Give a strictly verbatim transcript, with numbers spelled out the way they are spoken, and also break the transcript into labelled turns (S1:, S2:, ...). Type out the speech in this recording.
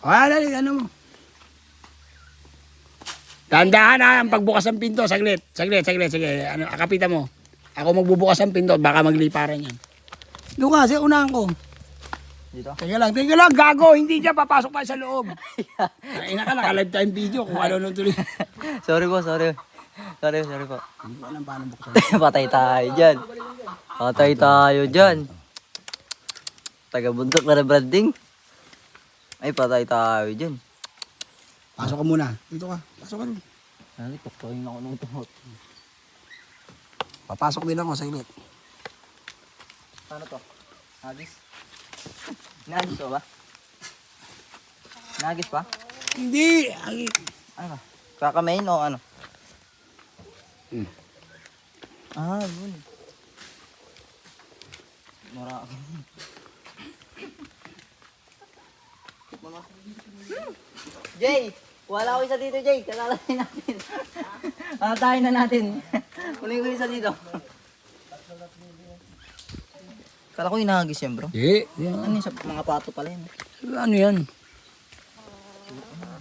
S1: Ah, dali, ano mo. Dahan-dahan ha, ang pagbukas ng pinto. Saglit, saglit, saglit, sige. Ano, akapitan mo. Ako magbubukas ng pinto, baka magliparan yan. Doon kasi, unahan ko.
S2: Dito?
S1: Teka lang, teka lang, gago. Hindi dyan, papasok pa sa loob. Ay, naka, naka-live time video kung ano nung tuloy.
S2: Sorry po, sorry. Sorry, sorry po.
S1: Hindi ko alam paano buksan.
S2: Patay tayo dyan. Patay tayo dyan. Taga-bundok na branding. Ay, patay tayo dyan.
S1: Pasok ka muna. Dito ka, pasok ka rin.
S2: Ay, tuktoyin ako ng tuhot.
S1: Papasok din ako, saglit.
S2: Ano to? Nagis? Nagis pa ba? Nagis pa?
S1: Hindi. Ay,
S2: Ano? Kakamain o ano?
S1: Hmm.
S2: Ah, yun. Mara. Jay! Wala ko isa dito, Jay. Kalalain natin. Kalatayin na natin. Kunin ko isa dito. Kala ko inahagis yan, bro.
S1: Hindi. Yan.
S2: Ano yun? Sa mga pato pala yun.
S1: Ano yan?